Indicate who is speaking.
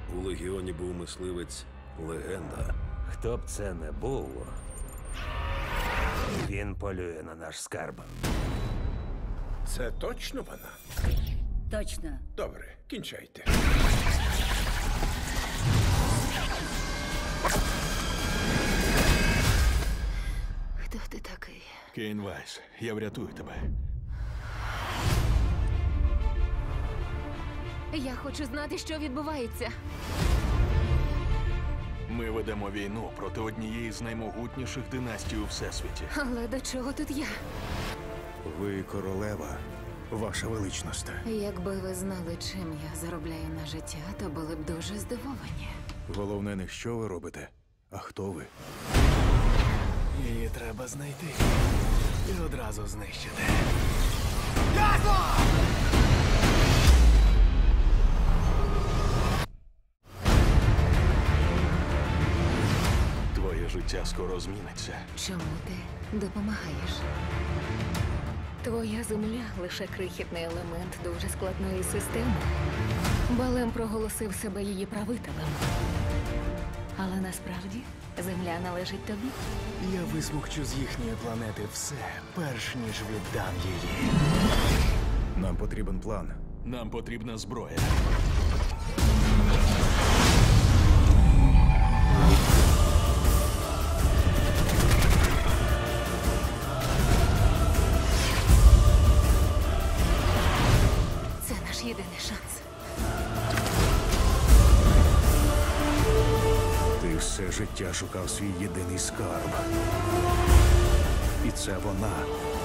Speaker 1: У Легіоні був мисливець легенда.
Speaker 2: Хто б це не був, він полює на наш скарб.
Speaker 3: Це точно вона?
Speaker 4: Точно.
Speaker 3: Добре, кінчайте.
Speaker 4: Хто ти такий?
Speaker 5: Кейн Вайс, я врятую тебе.
Speaker 6: Я хочу знати, що відбувається.
Speaker 5: Ми ведемо війну проти однієї з наймогутніших династій у всесвіті.
Speaker 6: Але до чого тут я?
Speaker 7: Ви королева, ваша величність.
Speaker 6: Якби ви знали, чим я заробляю на життя, то були б дуже здивовані.
Speaker 7: Головне не що ви робите, а хто ви.
Speaker 8: Її треба знайти і одразу знищити.
Speaker 5: Твоє життя скоро зміниться.
Speaker 6: Чому ти допомагаєш? Твоя земля лише крихітний елемент дуже складної системи. Балем проголосив себе її правителем. Але насправді земля належить тобі.
Speaker 8: Я висмокчу з їхньої планети все, перш ніж віддам її.
Speaker 7: Нам потрібен план.
Speaker 5: Нам потрібна зброя.
Speaker 6: Це наш єдиний шанс.
Speaker 7: Ти все життя шукав свій єдиний скарб. І це вона.